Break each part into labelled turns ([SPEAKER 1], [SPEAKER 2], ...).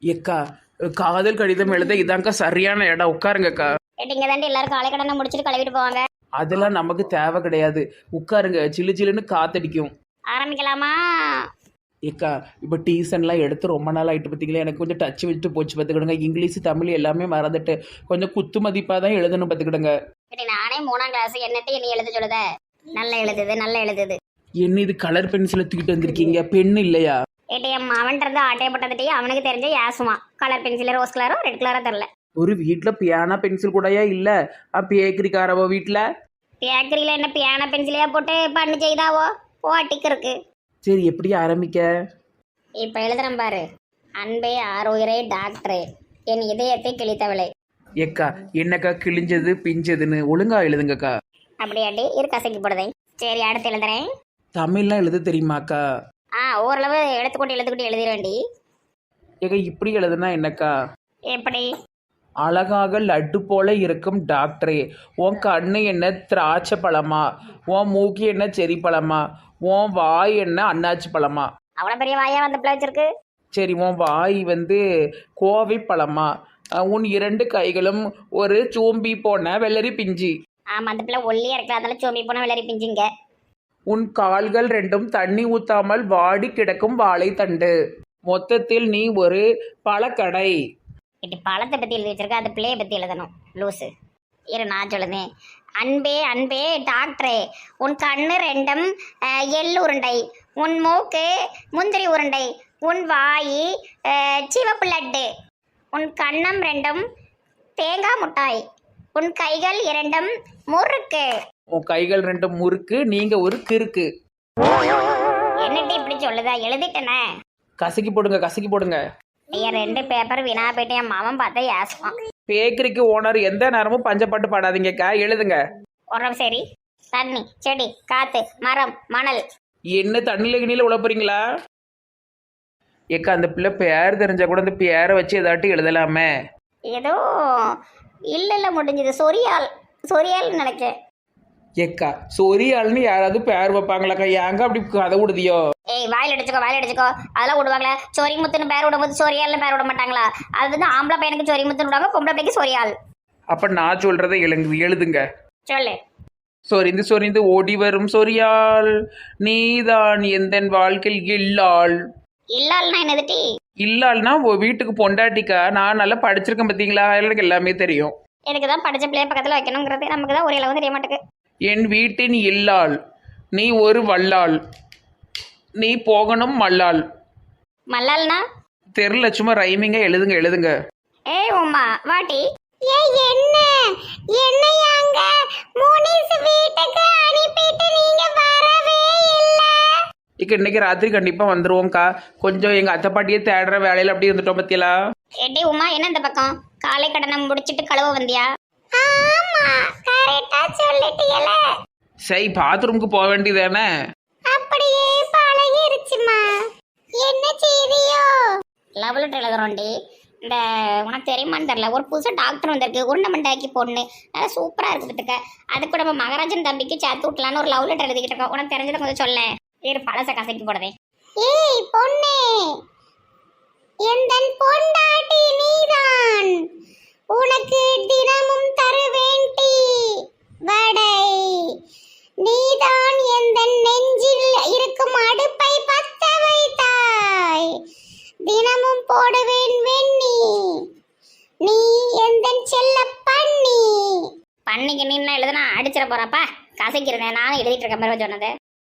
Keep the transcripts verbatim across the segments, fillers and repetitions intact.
[SPEAKER 1] ஏக்கா காதல் கடிதம் எழுத இதாங்க்கா சரியான இடம், உட்காருங்கக்கா.
[SPEAKER 2] இங்க தாண்டி எல்லாரும் காலை கடனை முடிச்சுட்டு கழுவிட்டு போவாங்க.
[SPEAKER 1] அதெல்லாம் நமக்கு தேவை கிடையாது, உட்காருங்க, சில்லு சில்லுன்னு காத்தடிக்கும்.
[SPEAKER 2] ஆரம்பிக்கலாமா?
[SPEAKER 1] ஏக்கா இப்போ டியூஷன்லாம் எடுத்து ரொம்ப நாள் ஆகிட்டு பார்த்தீங்களா, எனக்கு கொஞ்சம் டச் விட்டு போச்சு பார்த்துக்கிடுங்க. இங்கிலீஷ் தமிழ் எல்லாமே மறந்துட்டு கொஞ்சம் குத்து மதிப்பாக தான் எழுதணும் பார்த்துக்கிடுங்க.
[SPEAKER 2] சரி, நானே மூணாம் கிளாஸ் என்னட்டு என்ன எழுத சொல்லுத? நல்ல எழுதுது நல்ல எழுதுது.
[SPEAKER 1] என்ன இது கலர் பென்சிலை தூக்கிட்டு வந்திருக்கீங்க, பெண் இல்லையா?
[SPEAKER 2] ஏடிஎம் அவன் இருந்து ஆட்டையப்பட்டதுட்டே அவனுக்கு தெரிஞ்ச ஏசுமா கலர் பென்சில் ரோஸ் கலரோ ரெட் கலரோ தெரில.
[SPEAKER 1] ஒரு வீட்டில் பியானா பென்சில் கூடயா இல்லை? பேக்கரிக்காரவோ வீட்டில்
[SPEAKER 2] பேக்கரியில் என்ன பியானா பென்சிலையா போட்டு பண்ணு செய்தாவோ போட்டிக்கு இருக்கு.
[SPEAKER 1] சரி, எப்படி ஆரம்பிக்க?
[SPEAKER 2] இப்போ எழுதுறேன் பாரு. அன்பே ஆரோயரே டாக்டரே என் இதயத்தை கிழித்தவளே.
[SPEAKER 1] ஏக்கா என்னக்கா கிழிஞ்சது பிஞ்சதுன்னு ஒழுங்கா எழுதுங்கக்கா.
[SPEAKER 2] அப்படியாட்டி இரு கசக்கி போடுதே. சரி, அடுத்து எழுதுறேன்.
[SPEAKER 1] தமிழ்லாம் எழுத தெரியுமாக்கா?
[SPEAKER 2] ஆ, ஓரளவு எழுத்துக்கூட்டி எழுத்துக்கூட்டி எழுதிடுவேண்டி.
[SPEAKER 1] ஏக்கா இப்படி எழுதுனா என்னக்கா?
[SPEAKER 2] எப்படி?
[SPEAKER 1] அழகாக லட்டு போல இருக்கும் டாக்டரே, உன் கண்ணு என்ன திராட்சை பழமா, உன் மூக்கு என்ன செரி பழமா, உன் வாய் என்ன அன்னாச்சி பழமா?
[SPEAKER 2] அவ்வளோ பெரிய வாயா வந்து பிள்ளை வச்சிருக்கு.
[SPEAKER 1] சரி, உன் வாய் வந்து கோவை பழமா, உன் இரண்டு கைகளும் ஒரு சோம்பி போன வெள்ளரி பிஞ்சி.
[SPEAKER 2] ஆமா, அந்த பிள்ளை ஒல்லியா இருக்கலாம், அதனால சோம்பி போன விளரி பிஞ்சிங்க.
[SPEAKER 1] உன் கால்கள் ரெண்டும் தண்ணி ஊத்தாமல் வாடி கிடக்கும் வாழைத்தண்டு. மொத்தத்தில் நீ ஒரு பழக்கடை.
[SPEAKER 2] இப்படி பழத்தை பற்றி எழுதி வச்சிருக்க, அந்த பிள்ளையை பற்றி எழுதணும் லூஸு. இரு நான் சொல்லுதேன். அன்பே அன்பே டாக்டரே உன் கண்ணு ரெண்டும் அஹ், எள்ளு உருண்டை, உன் மூக்கு முந்திரி உருண்டை, உன் வாய் அஹ், சிவப்பு லட்டு, உன் கண்ணம் ரெண்டும் தேங்காய் முட்டாய், உன் கைகள் இரண்டும் முறுக்கு.
[SPEAKER 1] உன் கைகள் ரெண்டும் முறுக்கு, நீங்க ஒரு கிறுக்கு.
[SPEAKER 2] என்னட்டு இப்படி சொல்லுதா? எழுதிட்டேனே.
[SPEAKER 1] கசக்கி போடுங்க கசக்கி போடுங்க.
[SPEAKER 2] என் ரெண்டு பேப்பர் வீணா போயிட்டு என் மாமன் பார்த்தா ஏசுவான்.
[SPEAKER 1] பேக்கரிக்கு ஓனர் எந்த நேரமும் பஞ்சப்பாட்டு பாடாதீங்கக்கா, எழுதுங்க.
[SPEAKER 2] உரம் சரி. தண்ணி செடி காத்து மரம் மணல்.
[SPEAKER 1] என்ன தண்ணியில கிணியில உழப்புறீங்களா? ஏக்கா அந்த பிள்ளை பேர் தெரிஞ்சா கூட அந்த பேரை வச்சு ஏதாட்டி எழுதலாமே.
[SPEAKER 2] ஏதோ இல்ல இல்ல முடிஞ்சது. சொரியால் சொரியால் நினைச்சேன்.
[SPEAKER 1] ஏக்கா சொரியாள்னு யாராவது பேர் வைப்பாங்களாக்கா? ஏங்க அப்படி கதை விடுதியோ?
[SPEAKER 2] ஏய், வாயில் அடிச்சுக்கோ வாயில் அடிச்சுக்கோ. அதெல்லாம் விடுவாங்களா? சொரி முத்துன்னு பேர் விடும்போது சொரியால்னு பேர் விட மாட்டாங்களா? அது வந்து ஆம்பளை பையனுக்கு சொரி முத்துன்னு விடுவாங்க, பொம்பளை பையனுக்கு சொரியால்.
[SPEAKER 1] அப்ப நான் சொல்றதை எழுங்கு எழுதுங்க.
[SPEAKER 2] சொல்லு.
[SPEAKER 1] சொரிந்து சொரிந்து ஓடி வரும் சொரியால், நீதான் எந்தன் வாழ்க்கையில் இல்லாள்.
[SPEAKER 2] இல்லால்னா என்னதுட்டி?
[SPEAKER 1] இல்லாள்னா உன் வீட்டுக்கு பொண்டாட்டிக்கா. நான் நல்லா படிச்சிருக்கேன் பார்த்தீங்களா, எனக்கு எல்லாமே தெரியும்.
[SPEAKER 2] எனக்கு தான் படிச்ச பிள்ளைய பக்கத்தில் வைக்கணுங்கிறது நமக்கு தான் ஒரு அளவு தெரிய மாட்டேங்குது.
[SPEAKER 1] என் வீட்டின் இல்லாள், நீ ஒரு வல்லாள், நீ போகணும் மல்லாள்.
[SPEAKER 2] மல்லால்னா?
[SPEAKER 1] தெரியல, சும்மா ரைமிங்க எழுதுங்க எழுதுங்க.
[SPEAKER 2] ஏய் உம்மா வாட்டி. ஏய் என்ன என்னையாங்க முனிஸ் வீட்டுக்கு அனுப்பிட்டு நீங்க வரவே இல்ல?
[SPEAKER 1] இக்க இன்னைக்கு ராத்திரி கண்டிப்பா வந்துருவோம்க்கா. கொஞ்சம் எங்க அத்தை பாட்டியே தேடுற வேலையில அப்படி இருந்துட்டோம் பத்தியலா.
[SPEAKER 2] ஏடி உமா, என்ன இந்த பக்கம் காலை கடனை முடிச்சிட்டு கழுவ வந்தியா? ஆமா, கரெக்ட்டா சொல்லிட்டீல.
[SPEAKER 1] சரி, பாத்ரூமுக்கு போக வேண்டியதானே?
[SPEAKER 2] அப்படியே பழகிருச்சுமா. என்ன செய்தியோ? லவ்லெட்டர் எழுதுறோண்டி. இந்த உனக்கு தெரியுமான்னு தெரியல, ஒரு புதுசாக டாக்டர் வந்திருக்கு, உருண்டமண்டாக்கி பொண்ணு, நல்லா சூப்பராக இருக்கு பத்துக்க. அதுக்கு நம்ம மகராஜன் தம்பிக்கு சேர்த்து விட்டலான்னு ஒரு லவ் லெட்டர் எழுதிக்கிட்டு இருக்கோம். உனக்கு தெரிஞ்சதை கொஞ்சம் சொல்ல. இரு பழச கசக்கி போடுதே. ஏய் பொண்ணே, எந்தன் பொண்டாட்டி நீதான், உனக்கு தினமும் தருவேன் டீ வடை, நீதான் எந்தன் நெஞ்சில் இருக்கும் அடுப்பை பத்த வைத்தாய், தினமும் போடுவேன் வெண்ணி, நீ எந்தன் செல்ல பண்ணி. பண்ணிக்கு நீ என்ன எழுதுனா அடிச்சிட போறப்பா. கசைக்கிறேன் நானும் எழுதிட்டு இருக்க மாதிரி சொன்னது.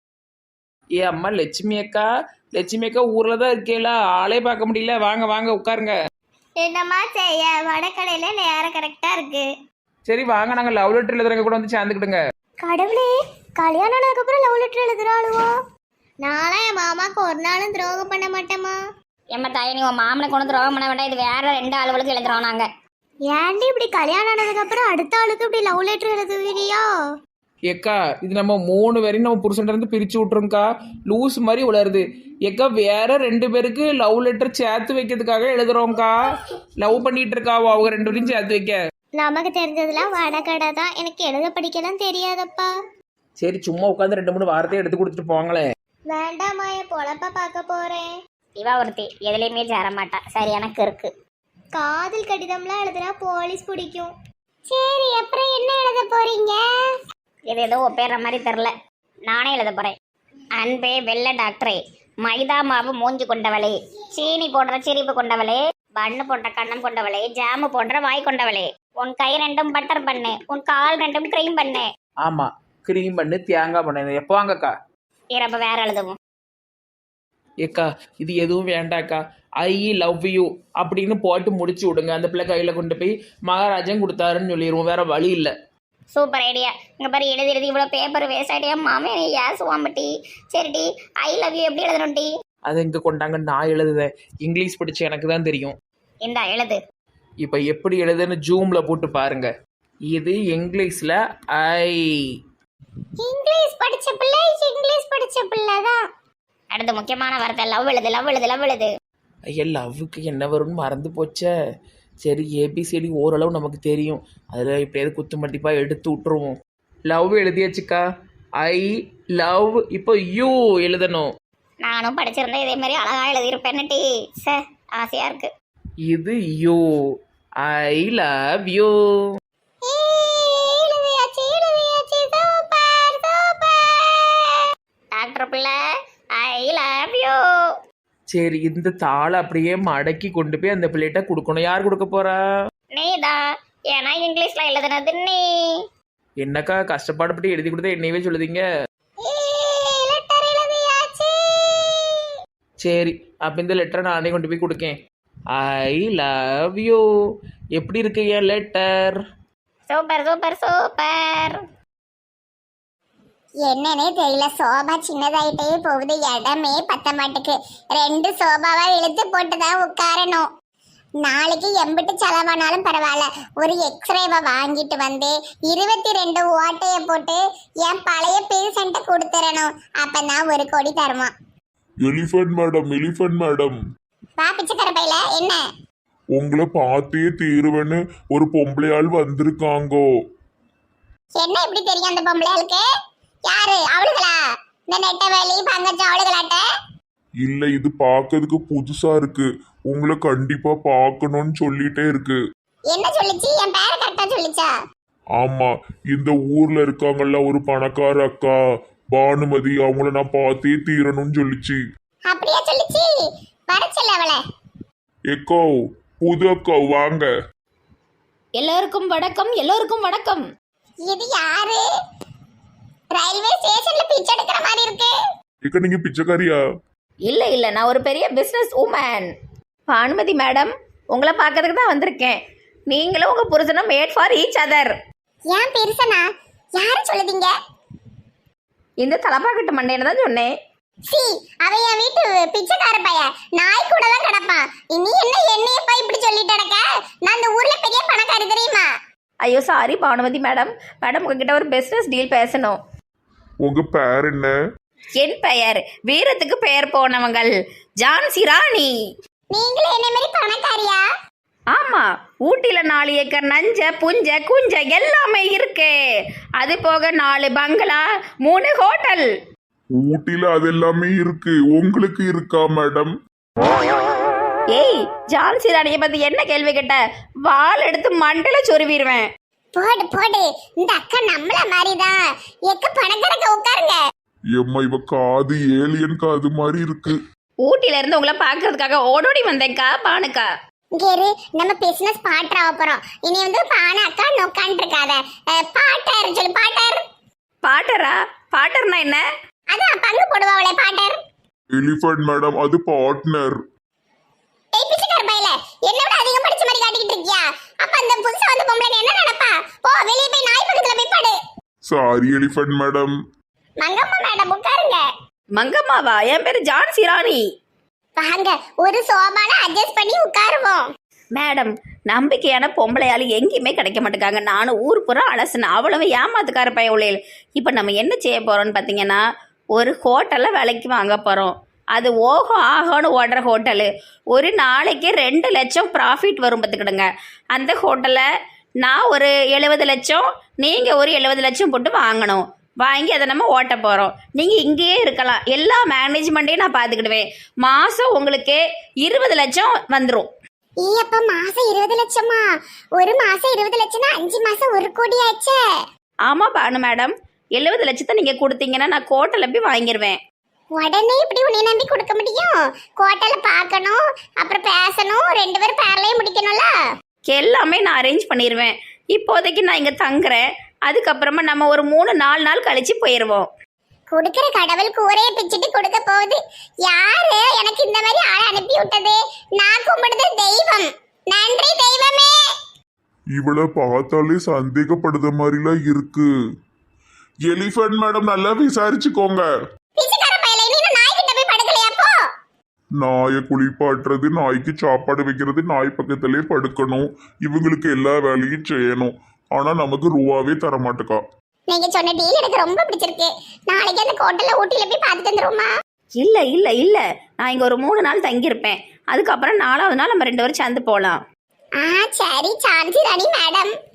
[SPEAKER 1] ஏ அம்மா லட்சுமி அக்கா, லட்சுமி அக்கா ஊர்ல தான் இருக்கேல, ஆளே பார்க்க முடியல. வாங்க வாங்க உட்காருங்க.
[SPEAKER 2] என்னம்மா செய்ய, வடக்கடையில நேரம் கரெக்டா இருக்கு.
[SPEAKER 1] சரி வாங்க, நாங்க லவ் லெட்டர் எழுதுறவங்க கூட வந்து சேர்ந்துக்கிடுங்க.
[SPEAKER 2] கடவுளே, கல்யாணம் ஆனதுக்கு அப்புறம் லவ் லெட்டர் எழுதுறாளுவோ? நானும் என் மாமாக்கு ஒரு நாளும் துரோகம் பண்ண மாட்டேமா. எம்ம தாய், நீ உன் மாமனை கொண்டு துரோகம் பண்ண வேண்டாம். இது வேற ரெண்டு ஆளுகளுக்கு எழுதுறோம் நாங்க. ஏன்டி இப்படி கல்யாணம் ஆனதுக்கு அப்புறம் அடுத்த ஆளுக்கு இப்படி லவ் லெட்டர் எழுதுவீரியா?
[SPEAKER 1] ஏக்கா இது நம்ம மூணு பேரையும் நம்ம புருஷன்ட்ட இருந்து பிரிச்சு விட்டுருங்கக்கா. லூஸ் மாதிரி உளருது. ஏக்கா வேற ரெண்டு பேருக்கு லவ் லெட்டர் சேர்த்து வைக்கிறதுக்காக எழுதுறோம்க்கா. லவ் பண்ணிட்டு இருக்காவோ அவங்க ரெண்டு பேரையும் சேர்த்து வைக்க.
[SPEAKER 2] நமக்கு தெரிஞ்சதுலாம் வடகடை தான், எனக்கு எழுத படிக்கலாம் தெரியாதப்பா.
[SPEAKER 1] சரி சும்மா உட்காந்து ரெண்டு மூணு வார்த்தையை எடுத்து கொடுத்துட்டு போங்களேன்.
[SPEAKER 2] வேண்டாமா, என் பொழப்ப பார்க்க போறேன். இவா ஒருத்தி எதுலேயுமே சேர மாட்டா. சரி எனக்கு இருக்கு.
[SPEAKER 3] காதல் கடிதம்லாம் எழுதுனா போலீஸ் பிடிக்கும். சரி, அப்புறம் என்ன எழுத போறீங்க?
[SPEAKER 2] இது ஏதோ ஒப்பேற மாதிரி தெரில. நானே எழுத போகிறேன். அன்பே வெள்ள டாக்டரே, மைதா மாவு மூஞ்சி கொண்டவளே, சீனி போன்ற சிரிப்பு கொண்டவளே, பண்ணு போன்ற கண்ணம் கொண்டவளே, ஜாமு போன்ற வாய் கொண்டவளே, உன் கை ரெண்டும் பட்டர் பண்ணு, உன் கால் ரெண்டும் க்ரீம் பண்ணு.
[SPEAKER 1] ஆமாம், க்ரீம் பண்ணு, தேங்காய் பண்ணு. எப்போ வாங்கக்கா?
[SPEAKER 2] இறப்ப வேற எழுதுவோம்.
[SPEAKER 1] ஏக்கா இது எதுவும் வேண்டாக்கா. ஐ லவ் யூ அப்படின்னு போட்டு முடிச்சு விடுங்க. அந்த பிள்ளை கையில் கொண்டு போய் மகாராஜன் கொடுத்தாருன்னு சொல்லிடுவோம். வேற வழி இல்லை.
[SPEAKER 2] Super idea. இங்கே பாரு, எழுதி எழுதி இவ்வளோ பேப்பர் வேஸ்ட் ஐடியா. மாமே ஏசுவான் டி. சரிடி, ஐ லவ் யூ எப்படி எழுதணும் டி?
[SPEAKER 1] அதை இங்கே கொண்டாங்க, நான் எழுதுதேன். இங்கிலீஷ் படிச்சு எனக்கு தான் தெரியும்.
[SPEAKER 2] இந்தா எழுது.
[SPEAKER 1] இப்போ எப்படி எழுதுன்னு ஜூமில் போட்டு பாருங்க. இது இங்கிலீஷில் ஐ.
[SPEAKER 3] இங்கிலீஷ் படிச்ச பிள்ளை இங்கிலீஷ் படிச்ச பிள்ளை தான்.
[SPEAKER 2] அடுத்து முக்கியமான வார்த்தை லவ் எழுது. லவ் எழுது லவ் எழுது.
[SPEAKER 1] ஐயா லவ்வுக்கு என்ன வரும்னு மறந்து போச்சே. சரி, ஏபிசிடி ஓரளவு நமக்கு தெரியும். அதில் எப்படியாவது குத்து மதிப்பாக எடுத்து விட்டுருவோம். லவ் எழுதியாச்சுக்கா. I love. இப்போ யூ எழுதணும்.
[SPEAKER 2] நானும் படிச்சிருந்தேன் இதே மாதிரி அழகா எழுதியிருப்பேன்னு டி. சே, ஆசையா இருக்கு.
[SPEAKER 1] இது you. I love you.
[SPEAKER 2] Doctor Pillai, I love you.
[SPEAKER 1] சரி, இந்த தாளை அப்படியே மடக்கி கொண்டு போய் அந்த பிள்ளைகிட்ட கொடுக்கணும். யார் கொடுக்க போறா?
[SPEAKER 2] நீதான். ஏன்னா இங்கிலீஷ்ல எழுதுனது நீ.
[SPEAKER 1] என்னக்கா கஷ்டப்பாடுபட்டு எழுதி கொடுத்தா என்னையவே சொல்லுதீங்க. சரி, அப்போ இந்த லெட்டரை நானே கொண்டு போய் கொடுக்கேன். ஐ லவ் யூ. எப்படி இருக்கு என் லெட்டர்?
[SPEAKER 2] Super super super.
[SPEAKER 3] என்னன்னே தெரியல, சோபா சின்னதாயிட்டே போகுது, இடமே பத்த மாட்டுக்கு. ரெண்டு சோபாவா இழுத்து போட்டுதான் உட்காரணும். நாளைக்கு எம்பிட்டு செலவானாலும் பரவாயில்ல, ஒரு எக்ஸ்ரேவை வாங்கிட்டு வந்து இருபத்தி ரெண்டு ஓட்டைய போட்டு என் பழைய பேஷண்ட்டை கொடுத்துடணும். அப்பதான் ஒரு கோடி தருவான்.
[SPEAKER 4] எலிஃபண்ட் மேடம், எலிஃபண்ட் மேடம்,
[SPEAKER 3] வா பிச்சைக்கார பையில, என்ன
[SPEAKER 4] உங்களை பார்த்தே தீருவேன்னு ஒரு பொம்பளையாள் வந்திருக்காங்கோ.
[SPEAKER 3] என்ன இப்படி தெரியும் அந்த பொம்பளையாளுக்கு? யாரு அவளுகளா? இந்த நெட்டவேலி பங்கஜம் அவளுகளாட்ட?
[SPEAKER 4] இல்ல, இது பார்க்கிறதுக்கு புதுசா இருக்கு. உங்களை கண்டிப்பா பார்க்கணும்னு சொல்லிட்டே இருக்கு.
[SPEAKER 3] என்ன சொல்லிச்சு? என் பேரை கரெக்டா சொல்லிச்சா?
[SPEAKER 4] ஆமா, இந்த ஊர்ல இருக்காங்கல்ல ஒரு பணக்கார அக்கா பானுமதி, அவங்கள நான் பார்த்தே தீரணும்னு சொல்லிச்சு.
[SPEAKER 3] அப்படியே சொல்லிச்சு. வர சொல்ல அவளை.
[SPEAKER 4] எக்கோ, புது அக்கா வாங்க.
[SPEAKER 5] எல்லோருக்கும் வணக்கம். எல்லோருக்கும் வணக்கம்.
[SPEAKER 3] இது யாரு? ரயில்வே ஸ்டேஷன்ல பிச்சை எடுக்கிற மாதிரி இருக்கு.
[SPEAKER 4] எக்க, நீங்க பிச்சைக்காரியா?
[SPEAKER 5] இல்ல இல்ல, நான் ஒரு பெரிய பிசினஸ் உமன். பானுமதி மேடம், உங்களை பார்க்கறதுக்கு தான் வந்திருக்கேன். நீங்களும் உங்க புருஷனும் மேட் ஃபார் ஈச் அதர்.
[SPEAKER 3] ஏன் பெருசனா? யாரு சொல்லுதீங்க?
[SPEAKER 5] இந்த தலப்பாக்கட்டு மண்டையனை தான் சொன்னேன்.
[SPEAKER 3] சி, அவன் என் வீட்டு பிச்சைக்கார பையன். நாய் கூட தான் கிடப்பான். நீ என்ன என்னையப்பா இப்படி சொல்லிட்டு கிடக்க? நான் இந்த ஊர்ல பெரிய பணக்காரி தெரியுமா?
[SPEAKER 5] ஐயோ சாரி பானுமதி மேடம். மேடம் உங்ககிட்ட ஒரு பிசினஸ் டீல் பேசணும்.
[SPEAKER 4] உங்க பேர் என்ன?
[SPEAKER 5] என் பெயர் வீரத்துக்கு பெயர் போனவங்கள் ஜான்சி ராணி.
[SPEAKER 3] நீங்களும் என்ன மாதிரி பணக்காரியா?
[SPEAKER 5] ஆமா, ஊட்டில நாலு ஏக்கர் நஞ்ச புஞ்ச குஞ்ச எல்லாமே இருக்கு. அது போக நாலு பங்களா, மூணு ஹோட்டல்.
[SPEAKER 4] ஊட்டில அதெல்லாமே இருக்கு, உங்களுக்கு இருக்கா மேடம்?
[SPEAKER 5] ஏய், ஜான்சி ராணியை பத்தி என்ன கேள்வி கேட்ட? வாள் எடுத்து மண்டல சொருவிடுவேன்.
[SPEAKER 3] போடு போடு, இந்த அக்கா நம்மள மாதிரிதான். எக்க பணக்காரங்க உட்காருங்க.
[SPEAKER 4] எம்மா, இவ காது ஏலியன் காது மாதிரி இருக்கு.
[SPEAKER 5] ஊட்டில இருந்து உங்களை பாக்குறதுக்காக ஓடோடி வந்தேன்க்கா பானுக்கா.
[SPEAKER 3] இங்க இரு, நம்ம பிசினஸ் பாட்டர் ஆக போறோம். இனி வந்து பான அக்கா நோக்கான் இருக்காத. பாட்டர் சொல்லு. பாட்டர்.
[SPEAKER 5] பாட்டரா? பாட்டர்னா என்ன?
[SPEAKER 3] அதான் பங்கு போடுவாங்களே பாட்டர்.
[SPEAKER 4] எலிஃபண்ட் மேடம், அது பார்ட்னர்.
[SPEAKER 3] ஏய் பிச்சைக்கார பையல, என்ன விட அதிகம் படிச்ச மாதிரி காட்டிக்கிட்டு இருக்கியா? அப்ப அந்த புதுசா வந்த பொம்பளை என்ன நினைப்பா? போ வெளிய போய் நாய் பக்கத்துல போய் படு.
[SPEAKER 4] Sorry elephant madam.
[SPEAKER 3] Mangamma madam உட்காருங்க.
[SPEAKER 5] மங்கம்மாவா? என் பேரு ஜான்சி ராணி.
[SPEAKER 3] வாங்க, ஒரு சோபால அட்ஜஸ்ட் பண்ணி உட்காருவோம்.
[SPEAKER 5] மேடம், நம்பிக்கையான பொம்பளையாளு எங்கேயுமே கிடைக்க மாட்டேங்காங்க. நானும் ஊர் புறா அலசுனேன், அவ்வளவு ஏமாத்துக்கார பைய உள்ளே. இப்போ நம்ம என்ன செய்ய போறோம்னு பார்த்தீங்கன்னா, ஒரு ஹோட்டலில் விலைக்கு வாங்க போகிறோம். அது ஓஹோ ஆஹோன்னு ஓடுற ஹோட்டலு. ஒரு நாளைக்கு ரெண்டு லட்சம் ப்ராஃபிட் வரும் பார்த்துக்கிடுங்க. அந்த ஹோட்டலை நான் ஒரு எழுபது லட்சம், நீங்கள் ஒரு எழுபது லட்சம் போட்டு வாங்கணும். வாங்கி அதை நம்ம ஓட்ட போகிறோம். நீங்கள் இங்கேயே இருக்கலாம், எல்லா மேனேஜ்மெண்ட்டையும் நான் பார்த்துக்கிடுவேன். மாதம் உங்களுக்கு இருபது லட்சம் வந்துடும்.
[SPEAKER 3] ஈ அப்ப மாசம் இருபது லட்சமா? ஒரு மாசம் இருபது லட்சம்னா அஞ்சு மாசம் ஒரு கோடி ஆச்சே.
[SPEAKER 5] ஆமாம் பானு மேடம், எழுபது லட்சத்தை நீங்கள் கொடுத்தீங்கன்னா நான் கோட்டையில் போய் வாங்கிடுவேன்.
[SPEAKER 3] உடனே இப்படி உன்னை நம்பி கொடுக்க முடியும்? கோட்டையில பார்க்கணும், அப்புறம் பேசணும், ரெண்டு பேரும் பேரலையும் முடிக்கணும்ல.
[SPEAKER 5] எல்லாமே நான் அரேஞ்ச் பண்ணிடுவேன். இப்போதைக்கு நான் இங்கே தங்குறேன், அதுக்கப்புறமா நம்ம ஒரு மூணு நாலு நாள் கழிச்சு போயிடுவோம்.
[SPEAKER 3] கொடுக்கிற கடவுள் கூரையை பிச்சுட்டு கொடுக்க போகுது. யாரு எனக்கு இந்த மாதிரி ஆளை அனுப்பி விட்டது? நான் கும்பிடுது தெய்வம். நன்றி தெய்வமே.
[SPEAKER 4] இவளை பார்த்தாலே சந்தேகப்படுத மாதிரிலாம் இருக்கு. எலிஃபண்ட் மேடம் நல்லா விசாரிச்சுக்கோங்க.
[SPEAKER 3] பிச்சைக்கார பயலே, நீ இன்னும் நாய்கிட்ட போய் படுக்கலையா? போ.
[SPEAKER 4] நாயை குளிப்பாட்டுறது, நாய்க்கு சாப்பாடு வைக்கிறது, நாய் பக்கத்திலே படுக்கணும், இவங்களுக்கு எல்லா வேலையும் செய்யணும். ஆனா நமக்கு ரூபாவே தர மாட்டேக்கா.
[SPEAKER 3] நீங்க சொன்ன டீல் எனக்கு ரொம்ப பிடிச்சிருக்கு. நாளைக்கு அந்த கோட்டையில ஊட்டில போய் பார்த்துட்டு வந்துருவோமா?
[SPEAKER 5] இல்லை இல்லை இல்லை, நான் இங்கே ஒரு மூணு நாள் தங்கியிருப்பேன். அதுக்கப்புறம் நாலாவது நாள் நம்ம ரெண்டு பேரும் சேர்ந்து போகலாம்.
[SPEAKER 3] ஆ சரி, சாந்தி ராணி மேடம்.